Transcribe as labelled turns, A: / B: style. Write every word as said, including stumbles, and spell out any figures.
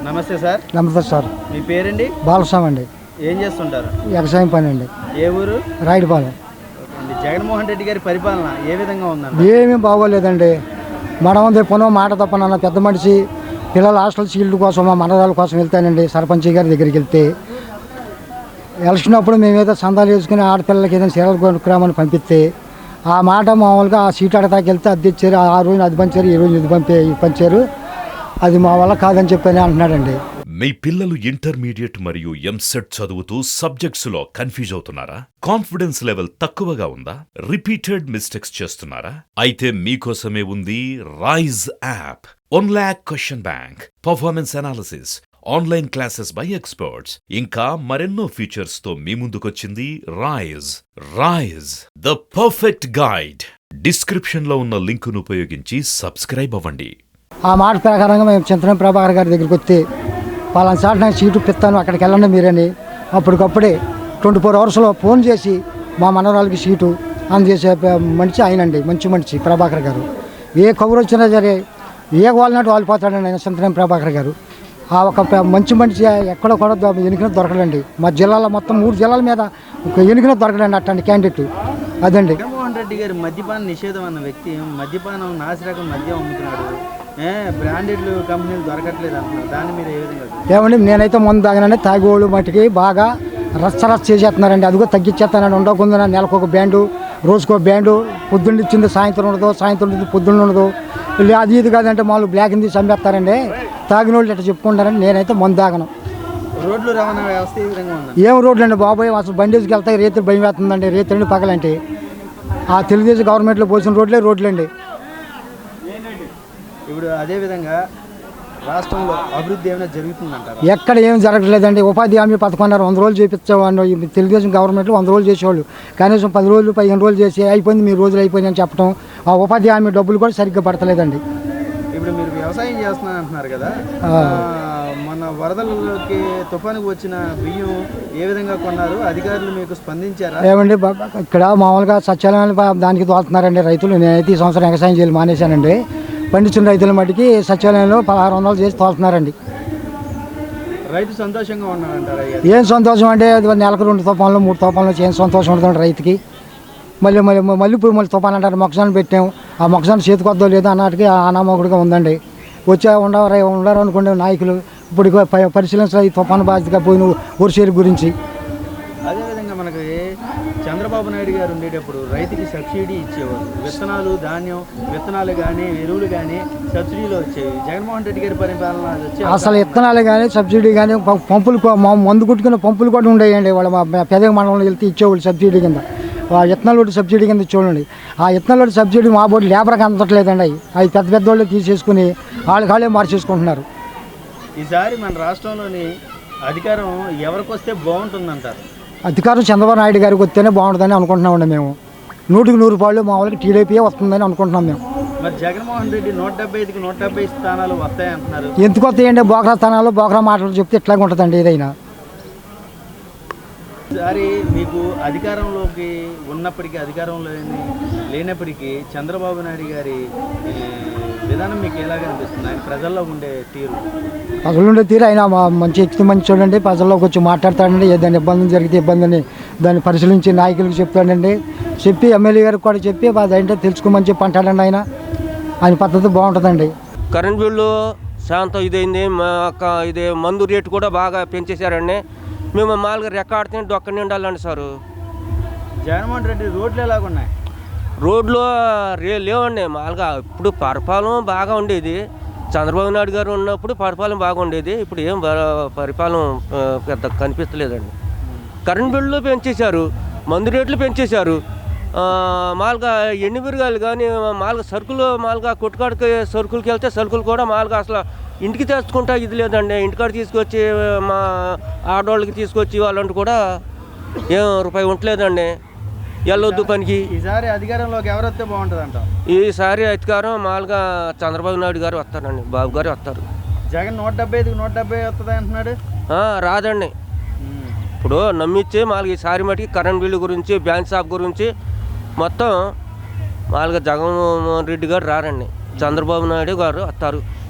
A: నమస్తే సార్.
B: నమస్తే సార్.
A: మీ పేరండి?
B: బాలస్వామి అండి.
A: ఏం చేస్తుంటారు?
B: వ్యవసాయం పని అండి.
A: ఏ ఊరు?
B: రాయుడుపాలెం.
A: జగన్మోహన్ రెడ్డి గారి పరిపాలన ఏ విధంగా ఉందండి?
B: ఏమీ బాగోలేదండి. మనం తెప్పనో మాట తప్పనన్న పెద్ద మనిషి పిల్లల హాస్టల్ సీల్డ్ కోసం మా మనరాల కోసం వెళ్తానండి సర్పంచ్ గారి దగ్గరికి వెళ్తే ఎలక్షన్ అప్పుడు మేమేదో సందాలు వేసుకుని ఆడపిల్లలకి ఏదైనా సీరలు కొనుక్కురామని పంపిస్తే ఆ మాట మామూలుగా ఆ సీట్ అడతాకి వెళ్తే అది తెచ్చారు, ఆ రోజున అది పంచారు, ఈ రోజు ఇది పంపే పంచారు, అది మా వల్ల కాదని చెప్పని అంటున్నాడండి.
C: మీ పిల్లలు ఇంటర్మీడియట్ మరియు ఎంసెట్ చదువుతూ సబ్జెక్ట్స్ లో కన్ఫ్యూజ్ అవుతున్నారా? కాన్ఫిడెన్స్ లెవెల్ తక్కువగా ఉందా? రిపీటెడ్ మిస్టేక్స్ చేస్తున్నారా? అయితే మీకోసమే ఉంది Rise app. One lakh question bank, performance analysis, online classes by experts, ఇంకా మరెన్నో ఫీచర్స్ తో మీ ముందుకొచ్చింది Rise. Rise the perfect guide. Description లో ఉన్న లింకును ఉపయోగించి సబ్స్క్రైబ్ అవ్వండి.
B: ఆ మాట ప్రకారంగా మేము చింతన ప్రభాకర్ గారి దగ్గరికి వస్తే పలానా సార్ నాకు సీటు పిస్తాను అక్కడికి వెళ్ళండి మీరని అప్పటికప్పుడే ట్వంటీ ఫోర్ అవర్స్లో ఫోన్ చేసి మా మనవరాలకి సీటు అందజేసే మనిషి ఆయనండి. మంచి మనిషి ప్రభాకర్ గారు. ఏ కబురు వచ్చినా సరే ఏ వాళ్ళనాటి వాళ్ళు పోతాడండి ఆయన చింతన ప్రభాకర్ గారు. ఆ ఒక మంచి మనిషి ఎక్కడ కూడా ఎన్నికన దొరకడండి. మా జిల్లాలో మొత్తం మూడు జిల్లాల మీద ఒక ఎన్నికన దొరకడండి అట్లాంటి క్యాండిడేట్ అదండి.
A: జగన్మోహన్ రెడ్డి గారు మద్యపాన నిషేధం అన్న వ్యక్తి మద్యపానం నాసిరకం మద్యం అమ్ముతున్నాడు, బ్రాండెడ్ కంపెనీలు దొరకట్లేదు అంటున్నారు. దాన్ని మీరు ఏ విధంగా?
B: ఏమండి నేనైతే ముందు తాగానండి. తాగేవాళ్ళు మటుకి బాగా రచ్చ రచ్చ చేసేస్తున్నారండి. అదిగో తగ్గించేస్తానండి. ఉండకుండా నెలకు ఒక బ్యాండు, రోజుకో బ్యాండు, పొద్దున్న ఇచ్చింది సాయంత్రం ఉండదు, సాయంత్రం ఇచ్చింది పొద్దున్న ఉండదు, అది ఇది కాదంటే మామూలు బ్లాక్ హిందీ చంపేస్తారండి. తాగిన వాళ్ళు ఇట్లా చెప్పుకుంటారండి. నేనైతే ముందు తాగను.
A: రోడ్లు రవాణా వ్యవస్థ ఏ విధంగా ఉంది?
B: ఏం రోడ్లు అండి బాబోయ్, అసలు బండేజ్కి వెళ్తాయి రేతులు భయం వేస్తుందండి. రేతులండి పగలంటే ఆ తెలుగుదేశం గవర్నమెంట్లో పోసిన రోడ్లే రోడ్లు అండి.
A: ఇప్పుడు అదేవిధంగా రాష్ట్రంలో అభివృద్ధి ఏమైనా జరుగుతుందంటారు?
B: ఎక్కడ ఏం జరగట్లేదండి. ఉపాధి హామీ పథకం అన్నారు వంద రోజులు చేపించేవాళ్ళు. తెలుగుదేశం గవర్నమెంట్లో వంద రోజులు చేసేవాళ్ళు. కనీసం పది రోజులు పదిహేను రోజులు చేసి అయిపోయింది మీ రోజులు అయిపోయింది అని చెప్పడం, ఆ ఉపాధి హామీ డబ్బులు కూడా సరిగ్గా పడతలేదండి.
A: ఇప్పుడు మీరు వ్యవసాయం చేస్తున్నారు అంటున్నారు కదా, మన వరదలకి తుఫానుకు వచ్చిన బియ్యం ఏ విధంగా కొన్నారు? అధికారులు మీకు స్పందించారా?
B: ఏమండి ఇక్కడ మామూలుగా సచివాలయాలు దానికి తోలుతున్నారండి రైతులు. నేనైతే ఈ సంవత్సరం వ్యవసాయం చేయాలి మానేశానండి. పండించిన రైతుల మటుకి సచివాలయంలో పదహారు వందలు చేసి తోలుతున్నారండి.
A: రైతు సంతోషంగా ఉన్నారంటారా?
B: ఏం సంతోషం అంటే నెలకు రెండు తుఫాన్లు మూడు తుఫాన్లు ఏం సంతోషం ఉంటుంది రైతుకి. మళ్ళీ మళ్ళీ మళ్ళీ ఇప్పుడు మళ్ళీ తుఫాన్ అంటారు. మొక్కజొన్న పెట్టాము, ఆ మొక్కజొన్న చేతికొద్దో లేదో అన్నట్టుగా అనామకుడిగా ఉందండి. వచ్చే ఉండరు ఉండరు అనుకునే నాయకులు ఇప్పుడు పరిశీలించాలి ఈ తుఫాను బాధ్యతగా పోయిన వర్షాల గురించి.
A: అదేవిధంగా మనకి చంద్రబాబు నాయుడు గారు ఉండేటప్పుడు రైతుకి సబ్సిడీ ఇచ్చేవారు. విత్తనాలు, ధాన్యం విత్తనాలు కానీ ఎరువులు కానీ సబ్సిడీలో వచ్చేవి. జగన్మోహన్ రెడ్డి గారి పరిపాలన వచ్చే
B: అసలు విత్తనాలు కానీ సబ్సిడీ కానీ పంపులు మందు కుట్టుకునే పంపులు కూడా ఉండేయండి. వాళ్ళ పెద్ద మండలంలో వెళ్తే ఇచ్చేవాళ్ళు సబ్సిడీ కింద. ఆ విత్తనాలు ఒకటి సబ్సిడీ కింద ఇచ్చేవాళ్ళండి. ఆ విత్తనాలు ఒకటి సబ్సిడీ మా బోర్డు లేబర్కి అందట్లేదండి. అవి అవి పెద్ద పెద్ద వాళ్ళు తీసేసుకుని వాళ్ళకి వాళ్ళే మార్చేసుకుంటున్నారు.
A: ఈసారి మన రాష్ట్రంలోని అధికారం ఎవరికి వస్తే బాగుంటుందంటారు?
B: అధికారం చంద్రబాబు నాయుడు గారికి వస్తేనే బాగుంటుందని అనుకుంటున్నామండి. మేము నూటికి నూరు పాళ్ళు మా వాళ్ళకి టీడీపీ వస్తుందని అనుకుంటున్నాం మేము.
A: మరి జగన్మోహన్ రెడ్డి నూట డెబ్బై ఐదుకి నూట డెబ్బై స్థానాలు వస్తాయంటున్నారు.
B: ఎందుకు వస్తాయండి? బోకరా స్థానాలు బోకరా మాటలు చెప్తే ఇట్లాగే ఉంటుందండి ఏదైనా.
A: ఈసారి మీకు అధికారంలోకి ఉన్నప్పటికీ అధికారంలో లేనప్పటికీ చంద్రబాబు నాయుడు గారి విధానం మీకు ఎలాగ అనిపిస్తుంది? ఆయన ప్రజల్లో ఉండే తీరు
B: ప్రజలు ఉండే తీరు ఆయన మంచి ఎక్కి మంచి చూడండి. ప్రజల్లోకి వచ్చి మాట్లాడతాడండి. ఏదైనా ఇబ్బంది జరిగితే ఇబ్బందిని దాన్ని పరిశీలించి నాయకులకు చెప్తాడండి. చెప్పి ఎమ్మెల్యే గారికి కూడా చెప్పి అదేంటో తెలుసుకోమని చెప్పి అంటాడండి. ఆయన ఆయన పద్ధతి బాగుంటుందండి.
D: కరెంట్ బిల్లు శాంతం ఇదైంది. ఇది మందు రేటు కూడా బాగా పెంచేశారండి. మేము మామూలుగా రెక్కాడితే డొక్క నిండాలండి సారు.
A: జగన్మోహన్ రెడ్డి రోడ్లు ఎలాగున్నాయి?
D: రోడ్లు రే లేవండి. మామూలుగా ఇప్పుడు పరిపాలన బాగా ఉండేది. చంద్రబాబు నాయుడు గారు ఉన్నప్పుడు పరిపాలన బాగా ఉండేది. ఇప్పుడు ఏం పరిపాలన పెద్ద కనిపిస్తలేదండి. కరెంట్ బిల్లు పెంచేశారు, మందు రేట్లు పెంచేశారు. మామూలుగా ఎండు మిరగాయలు కానీ మామూలుగా సరుకులు మామూలుగా కొట్టుకాడికి సరుకులకి వెళ్తే సరుకులు కూడా మామూలుగా అసలు ఇంటికి తెచ్చుకుంటా ఇది లేదండి. ఇంటికాడ తీసుకొచ్చి మా ఆడవాళ్ళకి తీసుకొచ్చి వాళ్ళంటూ కూడా ఏం రూపాయి ఉండలేదండి. వెళ్ళొద్దు పనికి.
A: ఈసారి అధికారంలోకి ఎవరు వస్తే బాగుంటుంది అంట?
D: ఈసారి అధికారం మామూలుగా చంద్రబాబు నాయుడు గారు వస్తారండి. బాబు గారు వస్తారు.
A: జగన్ నూట డెబ్బై ఐదుకి నూట డెబ్బై వస్తుంది అంటున్నాడు.
D: రాదండి. ఇప్పుడు నమ్మించి మామూలుగా ఈసారి మటుకి కరెంట్ బిల్లు గురించి బ్యాంక్ షాప్ గురించి మొత్తం మామూలుగా జగన్మోహన్ రెడ్డి గారు రారండి. చంద్రబాబు నాయుడు గారు వస్తారు.